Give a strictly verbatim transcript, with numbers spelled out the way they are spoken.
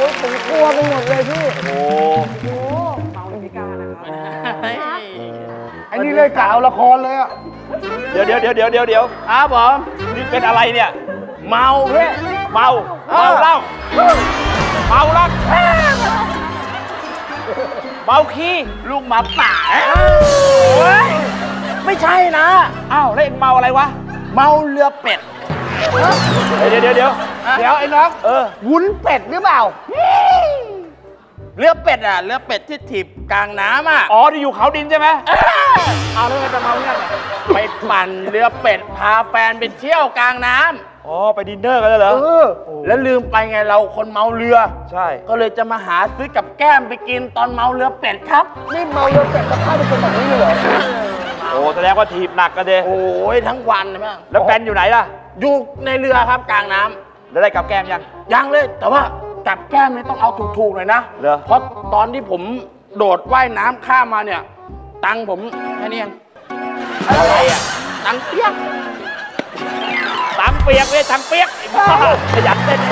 อ้ยผมกลัวไปหมดเลยพี่โอ้โหเมาพิการนะครับไอ้นี่เลยกล่าวละครเลยอ่ะเดี๋ยวเดี๋ยวเดี๋ยวเดี๋ยวเดี๋ยวเดี๋ยวครับผมนี่เป็นอะไรเนี่ยเมาเพ่เมาเมาเหล้าเมาลักเมาขี้ลูกหมาป่าไม่ใช่นะอ้าวแล้วเอ็งเมาอะไรวะเมาเรือเป็ดเดี๋ยวเดี๋ยวเดี๋ยวเดี๋ยวไอ้น้องเออวุ้นเป็ดหรือเปล่าเรือเป็ดอ่ะเรือเป็ดที่ถีบกลางน้ำอ่ะอ๋อที่อยู่เขาดินใช่ไหมเอาแล้วไงจะเมาเนี่ยไปปั่นเรือเป็ดพาแฟนไปเที่ยวกลางน้ำอ๋อไปดินเนอร์กันแล้วเหรอเออแล้วลืมไปไงเราคนเมาเรือใช่ก็เลยจะมาหาซื้อกับแก้มไปกินตอนเมาเรือเป็ดครับนี่เมาเรือเป็ดจะเข้าไปเป็นแบบนี้เลยเหรอโอ้แสดงว่าถีบหนักกันเด้โอ้ยทั้งวันเลยมั้งแล้วแฟนอยู่ไหนล่ะอยู่ในเรือครับกลางน้ำแล้วได้กับแก้มยังยังเลยแต่ว่ากับแก้มไม่ต้องเอาถูกๆหน่อยนะเพราะตอนที่ผมโดดว่ายน้ำข้ามมาเนี่ยตังผมแค่นี้เองอะไรอ่ะตังเปียกตังเปียกเว้ยตังเปียกขยันเต้น